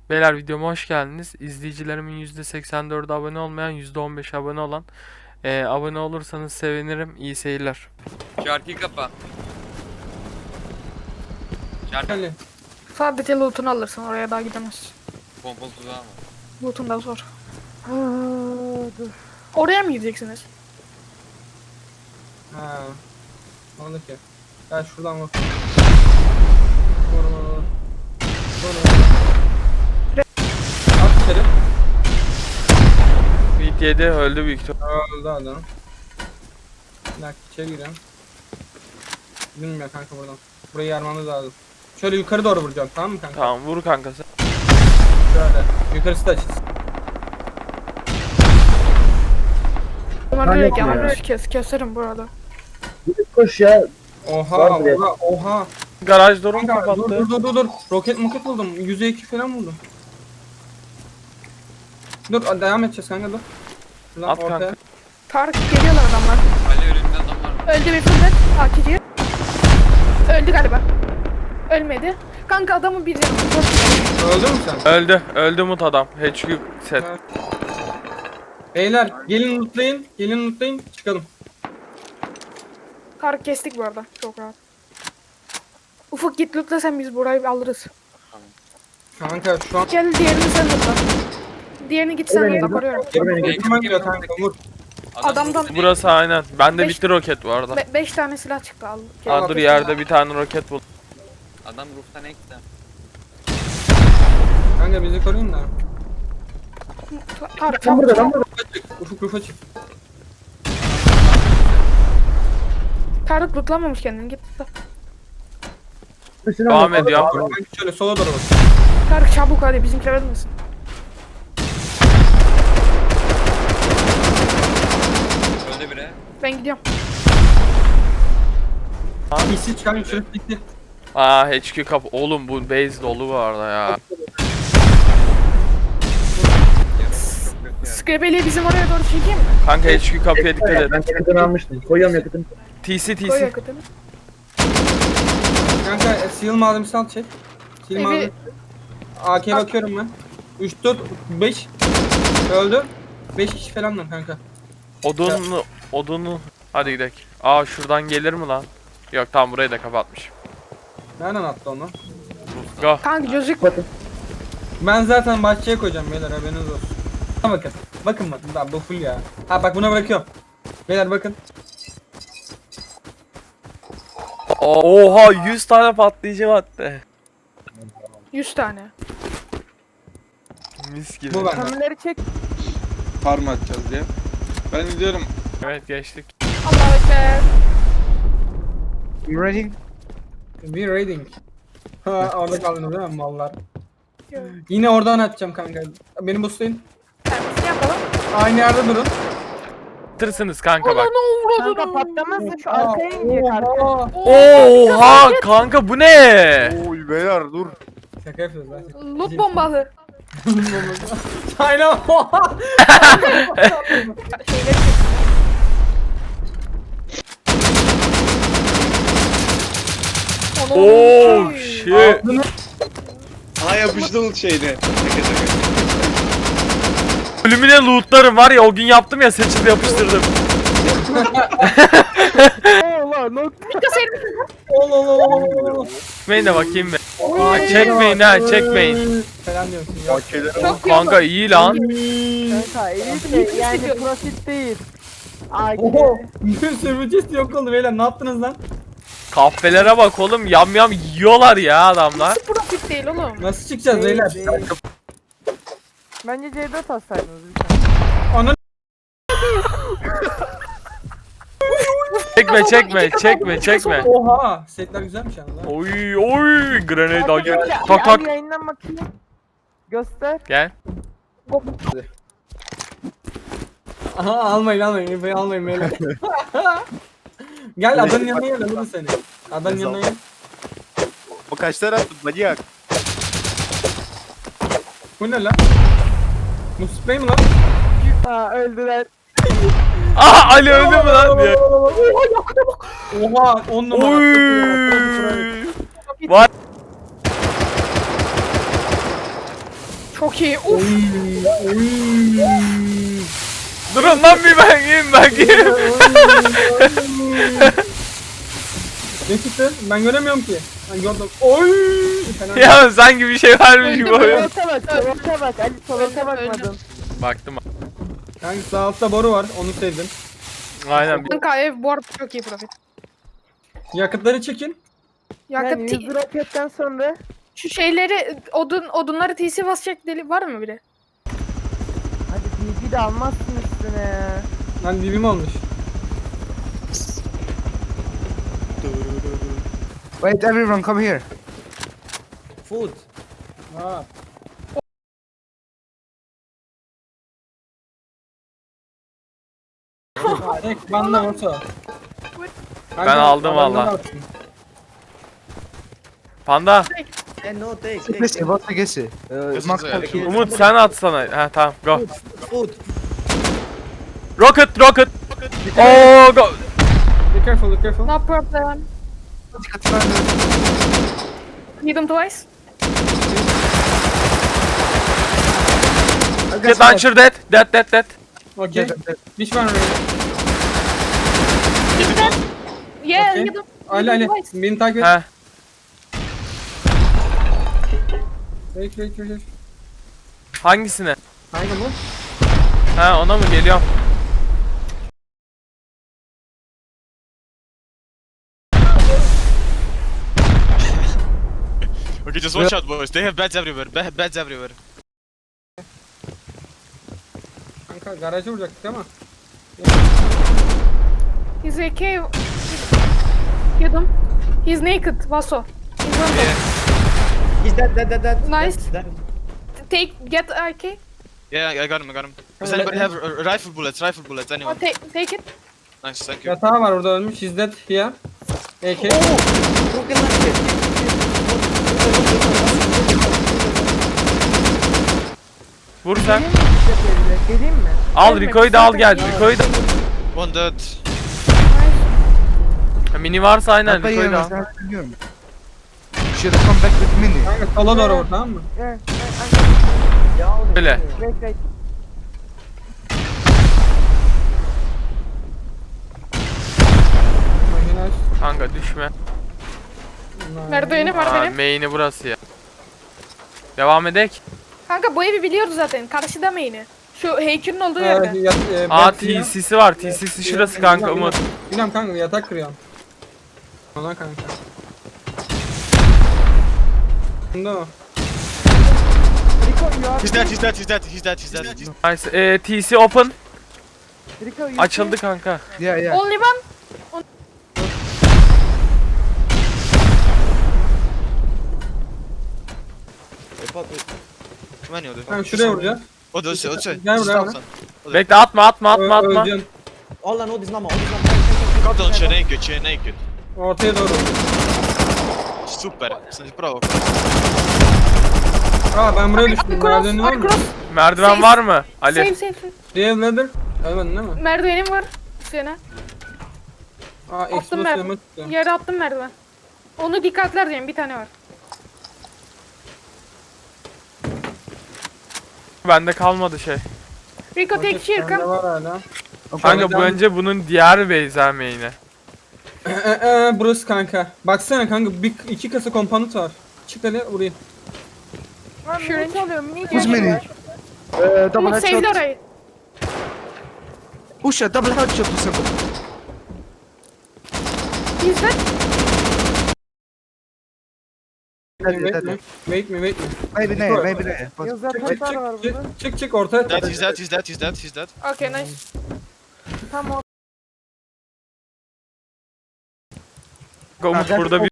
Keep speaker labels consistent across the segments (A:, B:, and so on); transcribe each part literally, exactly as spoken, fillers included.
A: Beyler videoma hoş geldiniz. İzleyicilerimin yüzde seksen dördü abone olmayan, yüzde on beş abone olan. Ee, abone olursanız sevinirim. İyi seyirler.
B: Şarkıyı kapa. Şarkı
C: Hadi.
D: Sadece loot'unu alırsın, oraya daha gidemezsin.
B: pompalı tuzağı mı?
D: Loot'un da zor. Oraya mı gideceksiniz?
C: Ha. Ne oldu ki? Gel şuradan bak. Vur vur vur. Vur vur. At içeri.
A: Beat yedi öldü büyük ihtimal.
C: Öldü adam. Bir dakika içeri girelim. Bilmiyorum kanka buradan. Burayı yarmamız lazım. Şöyle yukarı doğru vuracağım, tamam mı kanka?
A: Tamam vur kanka sen.
C: Şöyle. Yukarısı da açız.
D: Bunlar
E: Manyak
D: direkt
E: ya.
D: yanlış kes, keserim burada.
E: Gidip koş ya.
C: Oha,
E: Var bile.
C: oha, oha.
A: Garaj durum
C: Kanka dur
A: kapattı.
C: dur dur dur dur. Roket moket buldum. yüze iki falan buldum. Dur devam edeceğiz kanka dur. Şuradan
A: At
C: ortaya.
A: kanka.
D: Tarık geliyorlar adamlar.
B: Ali önümde adam var.
D: Öldü bir fırlat. Akici. Öldü galiba. Ölmedi. Kanka adamın bir canı.
C: Öldü mü sen?
A: Öldü. Öldü mut adam. H Q set.
C: Evet. Beyler gelin lootlayın. Gelin lootlayın. Çıkalım.
D: Tarık kestik bu arada. Çok rahat. Ufuk git lootla, sen biz burayı alırız.
C: Kanka şu an
D: Gel diğerini sen lootla. Diğerini git sen
E: beni
D: lootla,
E: dur.
D: koruyorum.
E: Dur beni
C: Yakın oynuyor kanka vur.
D: Adamdan-
A: Burası aynen. Bende
D: Beş-
A: bitti roket bu arada.
D: Be beş tane silah çıktı, al. Gel.
A: Aa, dur yerde bir tane roket bul.
B: Adam roof'tan ekti.
C: Kanka bizi koruyun da.
D: Tarık
E: Lan
D: çabuk
E: burada lan
D: çabuk.
E: burada.
C: Rufa çık. Ufuk rufa çık.
D: Tarık lootlamamış kendini, git lootla.
E: Üstüne
A: Devam
E: bak.
A: ediyorum.
C: Kanka şöyle sola doğru bak.
D: Tarık çabuk hadi, bizimkiler ölmesin.
B: Öldü biri.
D: Ben gidiyorum.
C: İsi çıkan şurası bitti.
A: Aa H Q kapı. Oğlum bu base dolu bu arada ya.
D: Scrabby'li bizim oraya doğru çekeyim mi?
A: Kanka H Q kapıya dikkat et.
E: Ben yakıtını almıştım. Koyuyorum yakıtını.
A: T C T
D: Koy
A: C.
D: yakıtını.
C: Kanka e, seal malzemesi al çek. Seal
D: Evi-
C: malzemesi. A K'ye bakıyorum ben. üç dört beş. Öldü. beş kişi falan lan kanka.
A: Odunlu, odunlu. Hadi gidelim. Aa şuradan gelir mi lan? Yok tamam burayı da kapatmış.
C: Nereden attı onu?
A: Go.
D: Kanka gözük.
C: Ben zaten bahçeye koyacağım beyler, haberiniz olsun. Ha, bakın. Bakın bakın. Daha bu full ya. Ha bak buna bırakıyorum. Beyler bakın.
A: Oha yüz tane patlayıcı madde.
D: yüz tane.
A: Mis gibi.
C: Bu bende.
D: Kamerleri çek.
F: Farm atacağız diye. Ben gidiyorum.
A: Evet geçtik.
D: Allah ekber.
F: Ready?
C: Bir raiding. Ha orada kaldınız değil mi mallar? Yine oradan atacağım kanka. Beni boostlayın.
D: Servisini yapalım.
C: Aynı yerde durun.
A: Tırsınız kanka bak.
G: Kanka patlamasın, şu arkaya inecek arka.
C: Oha.
A: Oha kanka bu ne?
F: Oy beyler dur.
C: Şaka yapıyoruz lan.
D: Loot bombalı.
C: Aynen.
D: Şeyleri çek. Onu-
A: Oh
D: Şey.
A: shit.
F: Ha yapıştı şeyine. Şaka şaka.
A: Ölümüne lootlarım var ya, o gün yaptım ya, seçildi yapıştırdım.
D: Dikkat servis.
C: Allah Allah Allah Allah.
A: Çekmeyin de bakayım be. Aa, çekmeyin ha, çekmeyin.
C: Falan diyorsun ya.
F: Okeyler.
D: Çok iyi
A: Kanka
D: oldu.
A: iyi lan.
G: Kanka elit de yani profit değil. Ay
C: Oho. Sürücüsü yok oldu beyler, ne yaptınız lan?
A: Kahvelere bak oğlum, yam yam yiyorlar ya adamlar.
D: Nasıl profit değil oğlum?
C: Nasıl çıkacağız beyler?
G: değil. Bence C dört atsaydınız lütfen.
C: Ana
A: Çekme çekme çekme çekme.
C: oha. Setler güzelmiş yani lan.
A: Oy oy grenade
G: Kanka,
A: acı.
G: bir-
A: Tak
G: bir
A: tak.
G: abi yayından bakayım. Göster.
A: Gel.
C: Aha almayın almayın. İnfoyu almayın beyler. Gel adanın yanına gel, alırım seni. Adanın yanına gel.
F: O kaç tane attın manyak?
C: Bu ne lan? Bu sprey mi lan?
G: Ha öldüler.
A: Aha Ali öldü mü lan diye.
C: Oha on numara.
A: Oy. Var.
D: Çok iyi. Uf.
C: Oy, oy.
A: Durun lan bir ben yiyeyim ben yiyeyim.
C: Ne çıktı? Ben göremiyorum ki. Ben gördüm. Oy. Fena.
A: Ya sanki bir şey varmış gibi oyun.
G: Solota bak, solota bak. Ali solota bakmadın.
A: Baktım.
C: Kanka sağ altta boru var. Onu sevdim.
A: Aynen.
D: Kanka ev bu arada çok iyi profit.
C: Yakıtları çekin.
D: Yakıt
G: Yani
D: T-
G: yüz roketten sonra
D: şu şeyleri odun odunları T C basacak deli var mı biri?
G: hadi B B de almazsın üstüne ya.
C: Lan dibim olmuş.
H: Wait, everyone, come here.
E: Food.
C: Ha. Tek banda orta.
A: Ben aldım valla. Panda.
E: And no take. take,
H: Gesi,
E: take.
H: what's the gesi? Uh, Max
B: Gesi,
H: kill.
A: Umut sen atsana. Ha tamam go.
E: Food.
A: Rocket rocket. Oo go.
C: Be careful, be careful.
D: No problem. Hit him twice.
A: Get launcher dead. Dead dead dead.
C: Okay. Which one?
D: Yeah,
C: Okay.
D: hit him.
C: Ali Ali. Beni takip et.
A: Ha.
C: Wait, wait, wait, wait.
A: Hangisine?
C: Hangi bu?
A: Ha ona mı geliyorum?
I: Okay, just watch out, boys. They have beds everywhere. Ba- beds everywhere.
C: Kanka garaja vuracaktık ama.
D: He's a cave. Hit him. He's naked. Vaso. He's on top.
E: He's dead, dead, dead, dead.
D: Nice.
E: Dead, dead.
D: Take get A K.
I: Yeah, I got him. I got him. Does
C: let-
I: anybody have uh, rifle bullets? Rifle bullets?
D: Oh,
I: Anyone?
D: take take it.
I: Nice, thank you.
C: Yatağı var orada ölmüş. He's dead here. A K.
E: Broken leg.
A: Vur sen.
G: Geleyim mi?
A: Al Rico'yu da al gel. Rico'yu da.
I: One dead.
A: Ha, Mini varsa aynen
H: Papa,
A: Rico'yu
H: you
A: da al.
H: must have to go. Should have come back with Mini.
C: Kanka sola doğru vur, tamam mı?
G: Gel.
A: Öyle.
G: Wait, wait.
C: Makine aç.
A: Kanka düşme.
D: Merdiveni var
A: Aa,
D: benim.
A: main'i burası ya. Devam edek.
D: Kanka bu evi biliyoruz zaten. Karşıda main'i. Şu heykelin olduğu
C: Ee,
D: yerde.
C: yat, e,
A: Aa
C: bed here.
A: T C'si var. T C'si şurası kanka Umut.
C: Bilmem kanka yatak kırıyorum. Ona kanka. Bunda o.
G: Rico, you are
I: He's dead. He's dead. He's dead. He's dead. He's dead. He's
A: Nice. Ee, T C open.
G: Rico, you
A: Açıldı kanka.
H: Yeah, yeah.
D: Only one.
I: Come on, you
C: Kanka şuraya vuracağız.
I: Oh, those, those.
C: Gel buraya
I: Stop,
C: bana.
I: son.
A: Bekle atma atma atma
C: Ö-
A: atma.
C: Öleceğim.
E: All I know is normal. All is normal.
I: Cut on, you're naked. You're naked.
C: Ortaya doğru.
I: Super. Bravo.
C: Aa ben buraya düştüm.
D: Cross,
C: Merdiveni var mı?
D: cross.
A: Merdiven
D: Safe.
A: var mı? Ali.
D: Save save save.
C: Real leather. Ölmedin değil mi?
D: Merdivenim var. Sene.
C: Aa
D: Attım
C: explosive
D: merdiven.
C: ammo çıktı.
D: Yere attım merdiven. Onu dikkatler diyeyim. Bir tane var.
A: Bende kalmadı şey.
D: Rico take here
C: Bende
D: come.
C: var hala.
A: Kanka bu
C: devam-
A: önce bunun diğer beyzer main'i.
C: Ee, ee, burası kanka. Baksana kanka bir, iki kasa komponent var. Çık hadi vurayım.
G: Lan mini çalıyorum, mini
H: Who's
G: çalıyorum.
H: Mini? Uh, double
D: Umut sevdi
H: headshot.
D: orayı.
H: Push a double headshot to somebody.
D: He's dead.
C: Wait me, wait me, wait me, wait me.
H: Maybe there, maybe there. But
G: Yazar
C: Çık
G: tasar
C: çık
G: var
C: çık
G: burada.
C: çık çık çık ortaya.
I: Dead. He's dead. He's dead. He's dead. He's dead.
D: Okay nice.
G: Tam o.
A: Umut
H: Ha,
A: burada bir...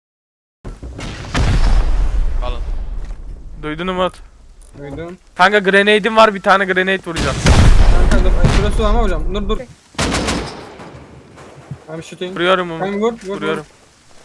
I: Alın.
A: Duydun Umut.
C: Duydum.
A: Kanka grenade'im var, bir tane grenade vuracağım.
C: Kanka dur. Ay, şurası ama hocam. Dur dur. I'm shooting.
A: Vuruyorum Umut.
C: Ben vur vur
A: Vuruyorum.
C: vur.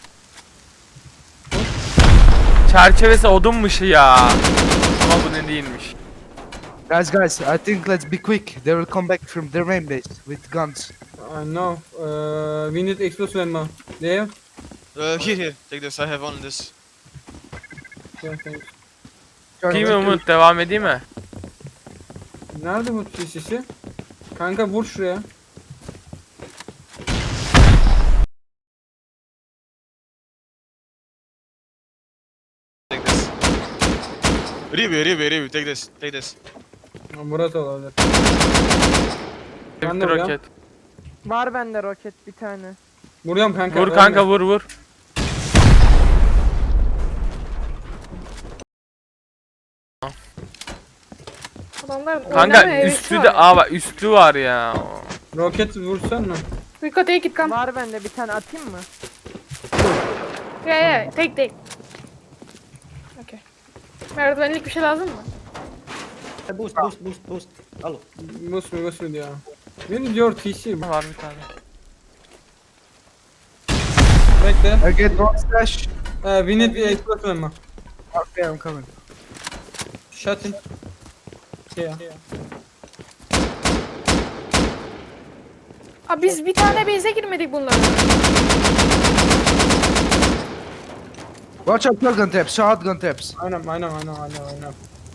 A: Çerçevesi odunmuş ya. Ama bu ne değilmiş.
H: guys, guys, I think let's be quick. They will come back from their main base with guns.
C: I know. Uh, we need explosive ammo. They have?
I: Uh, here, here. Take this. I have only this.
C: Yeah, thanks.
A: Değil mi Umut? Devam edeyim mi?
C: Nerede bu sisi? Kanka vur şuraya.
I: Take this. Review, review, review. Take this. Take this.
C: Ha, burası olabilir. Ben de
A: Bitti
C: vuruyorum.
A: roket.
G: Var bende roket bir tane.
C: Vuruyorum kanka.
A: Vur
C: ölme.
A: kanka vur vur.
D: Adamlar
A: Kanka
D: oynamaya hevesi
A: üstü
D: var
A: de
D: ya.
A: aa bak üstü var ya.
C: Roket vursan mı?
D: Rico take it come.
G: Var bende bir tane atayım mı?
D: Yeah yeah take take. Okay. Merdivenlik bir şey lazım mı?
E: Boost, boost, boost, boost. Alo.
C: Bus mu bus mu diyor. Where is your T C?
A: Var bir tane.
C: Bekle.
H: I get one slash.
C: Uh, we need a explosive ammo.
H: Okay, I'm coming.
C: Shut in. Yeah.
D: Aa, biz bir tane base'e girmedik bunlarla.
H: Watch out, shotgun traps, shotgun traps.
C: Aynen aynen aynen aynen aynen.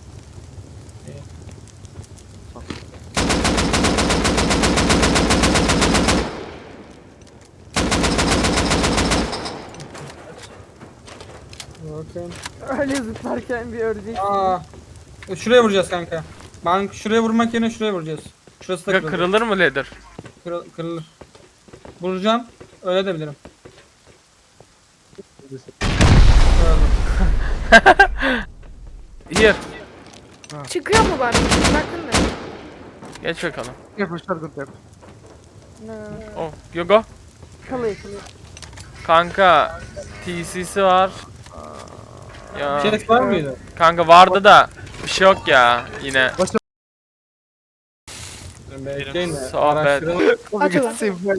C: Bakın.
G: Öyle zıplarken bir ördek.
C: Aa. Şuraya vuracağız kanka. Ben şuraya vurmak yerine şuraya vuracağız. Şurası da
A: Kanka
C: kırılır.
A: kırılır mı ladder?
C: Kırıl- kırılır. Vuracağım. Öyle de bilirim. Kırıldı.
A: Here.
D: Çıkıyor mu bari? Bakın da.
A: Geç bakalım.
H: Careful, shotgun trap.
G: Ne?
A: Oh, you go.
G: Kılıç.
A: Kanka T C'si var. Ya
C: Chest var mıydı?
A: kanka vardı da bir şey yok ya yine.
C: Bekleyin de.
A: Sohbet.
C: Araştıralım.
D: Aç ulan.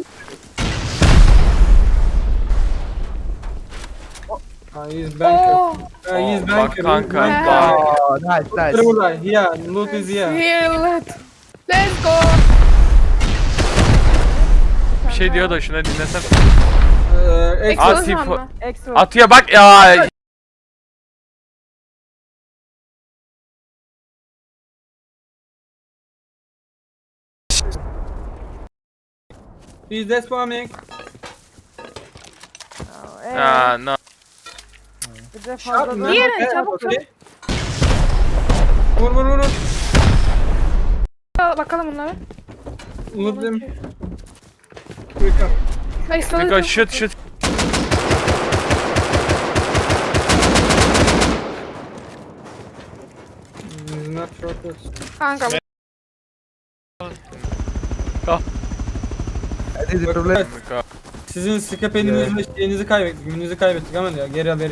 C: Ha, he's banker.
D: Oo.
C: Ha, he's
A: Oo,
C: banker.
A: bak
C: he's
A: kanka,
C: banker.
A: bak.
H: Oh, nice,
C: Loot
H: nice.
C: burada. Here. Loot is here.
D: Here, let. Let's go.
A: Bir şey diyor da şuna dinlesem.
C: Ee, ex-
A: At
D: Explosive
A: info-
D: mı?
G: Extra.
A: Atıyor bak ya.
C: He's despawning.
G: Eee,
A: Ya no.
G: bir de
C: Shot
G: fazla
C: mı?
G: da...
D: Diğeri,
C: Okay,
D: çabuk,
C: okay. Vur vur vur. vur.
D: Aa, bakalım bunlara.
C: Loot them. Quick up.
D: Ay, sonra
A: Kanka
D: çok-
A: şut şut.
C: He's not rockets.
D: Kanka bu-
H: I did the problem.
C: Sizin skip elinizi şeyinizi kaybettik. Ününüzü kaybettik ama ya geri haberi.